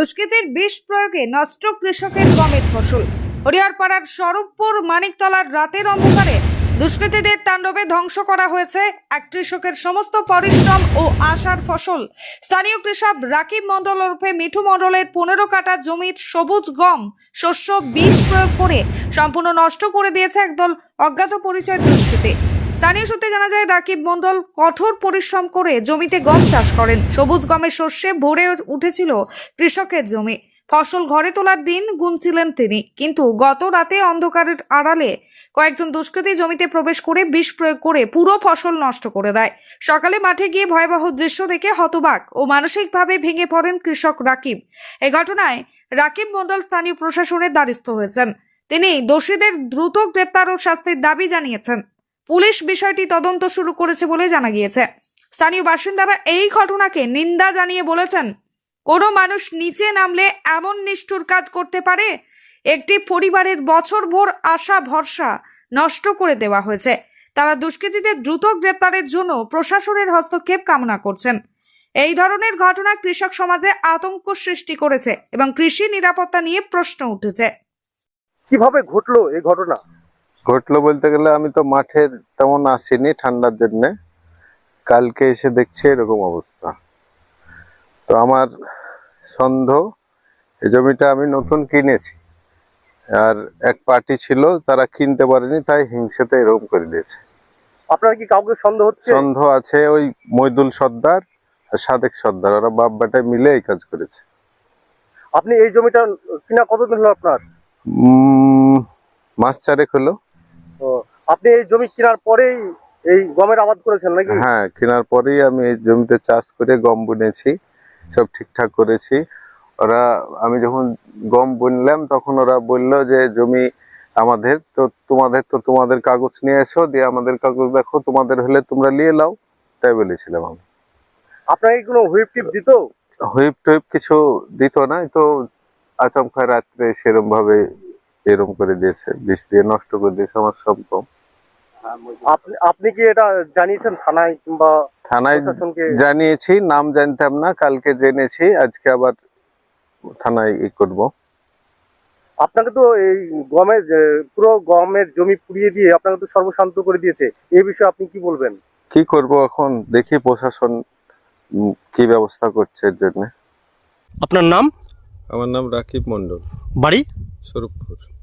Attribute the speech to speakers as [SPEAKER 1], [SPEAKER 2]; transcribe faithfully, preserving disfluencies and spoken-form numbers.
[SPEAKER 1] দুষ্কৃতীর বিষ প্রয়োগে নষ্ট কৃষকের গমের ফসল। হরিহরপাড়ার স্বরূপপুর মানিকতলার রাতের অন্ধকারে দুষ্কৃতীদের তাণ্ডবে ধ্বংস করা হয়েছে এক কৃষকের সমস্ত পরিশ্রম ও আশার ফসল। স্থানীয় কৃষক রাকিব মণ্ডল ওরফে মিঠু মণ্ডলের পনেরো কাঠা জমির সবুজ গম শস্য বিষ প্রয়োগ করে সম্পূর্ণ নষ্ট করে দিয়েছে একদল অজ্ঞাত পরিচয় দুষ্কৃতী। স্থানীয় সূত্রে জানা যায়, রাকিব মণ্ডল কঠোর পরিশ্রম করে জমিতে গম চাষ করেন। সবুজ গমের শস্যে ভরে উঠেছিল কৃষকের জমি। ফসল ঘরে তোলার দিন গুনছিলেন তিনি, কিন্তু গত রাতে অন্ধকারের আড়ালে কয়েকজন দুষ্কৃতী জমিতে প্রবেশ করে বিষ প্রয়োগ করে পুরো ফসল নষ্ট করে দেয়। সকালে মাঠে গিয়ে ভয়াবহ দৃশ্য দেখে হতবাক ও মানসিকভাবে ভেঙে পড়েন কৃষক রাকিব। এই ঘটনায় রাকিব মণ্ডল স্থানীয় প্রশাসনের দ্বারস্থ হয়েছেন। তিনি দোষীদের দ্রুত গ্রেপ্তার ও শাস্তির দাবি জানিয়েছেন। পুলিশ বিষয়টি তদন্ত শুরু করেছে বলে জানা গিয়েছে। স্থানীয় বাসিন্দারা এই ঘটনাকে নিন্দা জানিয়ে বলেছেন, কোনো মানুষ নিচে নামলে এমন নিষ্ঠুর কাজ করতে পারে? একটি পরিবারের বছরভর আশা ভরসা নষ্ট করে দেওয়া হয়েছে। তারা দুষ্কৃতীদের দ্রুত গ্রেপ্তারের জন্য প্রশাসনের হস্তক্ষেপ কামনা করছেন। এই ধরনের ঘটনা কৃষক সমাজে আতঙ্ক সৃষ্টি করেছে এবং কৃষি নিরাপত্তা নিয়ে প্রশ্ন উঠেছে।
[SPEAKER 2] কিভাবে ঘটলো এই ঘটনা?
[SPEAKER 3] ঘটলো বলতে গেলে আমি তো মাঠে তেমন আসিনি ঠান্ডার জন্য, কালকে এসে দেখছি এরকম অবস্থা। তো আমার সন্দেহ এই জমিটা আমি নতুন কিনেছি, আর এক পার্টি ছিল তারা কিনতে পারেনি, তাই হিংসাতে এরকম করে দিয়েছে।
[SPEAKER 2] আপনার কি কাউকে সন্দেহ হচ্ছে?
[SPEAKER 3] সন্দেহ আছে ওই মইদুল সর্দার আর সাদেক সর্দার, ওরা বাপ বেটায় মিলে এই কাজ করেছে।
[SPEAKER 2] আপনি এই জমিটা কিনা কতদিন হলো আপনার?
[SPEAKER 3] উম মাস চারেক হলো।
[SPEAKER 2] তো আপনি এই জমি কেনার পরেই এই গমের আবাদ করেছেন নাকি?
[SPEAKER 3] হ্যাঁ, কেনার পরেই আমি এই জমিতে চাষ করে গম বুনেছি, সব ঠিকঠাক করেছি। ওরা আমি যখন গম বুনলাম তখন ওরা বললো যে জমি আমাদের, তো তোমাদের তো তোমাদের কাগজ নিয়ে এসো, দিয়ে আমাদের কাগজ দেখো, তোমাদের হলে তোমরা নিয়ে নাও, তাই বলেছিলাম আমি।
[SPEAKER 2] আপনাকে কোনো হুইপ টিপ দিত?
[SPEAKER 3] হুইপ টুইপ কিছু দিত না, তো আচমকা রাত্রে সেরকম ভাবে এরম করে দিয়েছে, বিষ দিয়ে নষ্ট করে দিয়েছে আমার সব গম।
[SPEAKER 2] আপনি আপনি কি এটা জানিয়েছেন থানায় কিংবা
[SPEAKER 3] থানায়
[SPEAKER 2] প্রশাসনকে?
[SPEAKER 3] জানিয়েছি, নাম জানতাম না, কালকে জেনেছি, আজকে আবার থানায় ই করবো।
[SPEAKER 2] আপনাকে তো এই গমের পুরো গমের জমি পুড়িয়ে দিয়ে আপনাকে তো সর্বশান্ত করে দিয়েছে, এই বিষয়ে আপনি কি বলবেন?
[SPEAKER 3] কি করব এখন, দেখি প্রশাসন উম, কি ব্যবস্থা করছে এর জন্য।
[SPEAKER 4] আপনার নাম?
[SPEAKER 3] আমার নাম রাকিব মণ্ডল,
[SPEAKER 4] বাড়ি?
[SPEAKER 3] স্বরূপপুর।